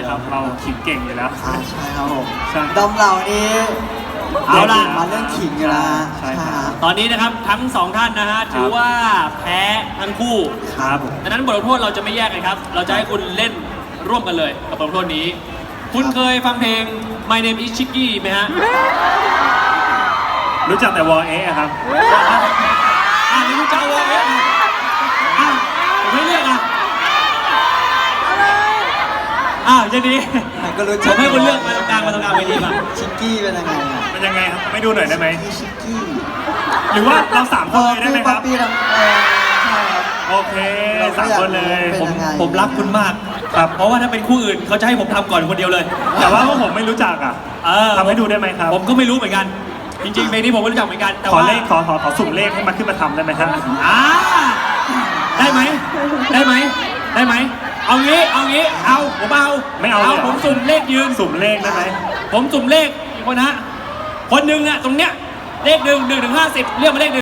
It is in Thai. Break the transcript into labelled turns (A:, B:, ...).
A: ครับเราขิงเก่งอยู่แล้ว
B: ใช่ครับผม
A: ใช่
B: ดอมเหล่านี้
C: เอาล่ะ
B: มาเรื่องขิงอยู่แล้ว
A: ใช่ครับ
C: ตอนนี้นะครับทั้งสองท่านนะฮะถือว่าแพ้ทั้งคู่
A: ครับผม
C: ดังนั้นบทลงโทษเราจะไม่แยกกันครับ เราจะให้คุณเล่นร่วมกันเลยกับบทลงโทษนี้ คุณเคยฟังเพลง My Name is Chicky ไหมฮะ
A: รู้จักแต่วอลเอะครับ
C: นี่คุณจะเอาเอ๊ะผมไม่เลือกอย่างนี้
B: มันก็รู้
C: ผ
B: จัก
C: มให้คุณเลือกมาตรงกลางเวทีป่ะ
B: ชิกกี้เป็นยังไงอ่ะ
A: เป็นยังไงครับไม่ดูหน่อยได้ไหม
B: ชิกกี้
A: หรือว่าเราสามคนเลยได้ไหมครับ
B: ป๊อปปี้ทำใช่ครับ
A: โอเคสามคนเลย
B: เป็นยังไง
C: ผมรักคุณมากครับเพราะว่าถ้าเป็นคู่อื่นเขาจะให้ผมทำก่อนคนเดียวเลย
A: แต่ว่าพวกผมไม่รู้จักอ่ะทำให้ดูได้ไหมครับ
C: ผมก็ไม่รู้เหมือนกัน จริงๆเพลงนี้ผมไม่รู้จักเหมือนกันแต่
A: ขอ
C: ว่า
A: เลขขอสุ่มเลขให้มันขึ้นมาทำได้ไหมครับ
C: ได้ไหมเอางี้ผมเอา
A: ไม่เอาเลยเหรอ
C: ผมสุ่มเลขยืน
A: สุ่มเลขได้ไหม
C: ผมสุ่มเลขคนนะคนหนึ่งอะตรงเนี้ยเลข1 1 ถึง 50เรียกมาเลข1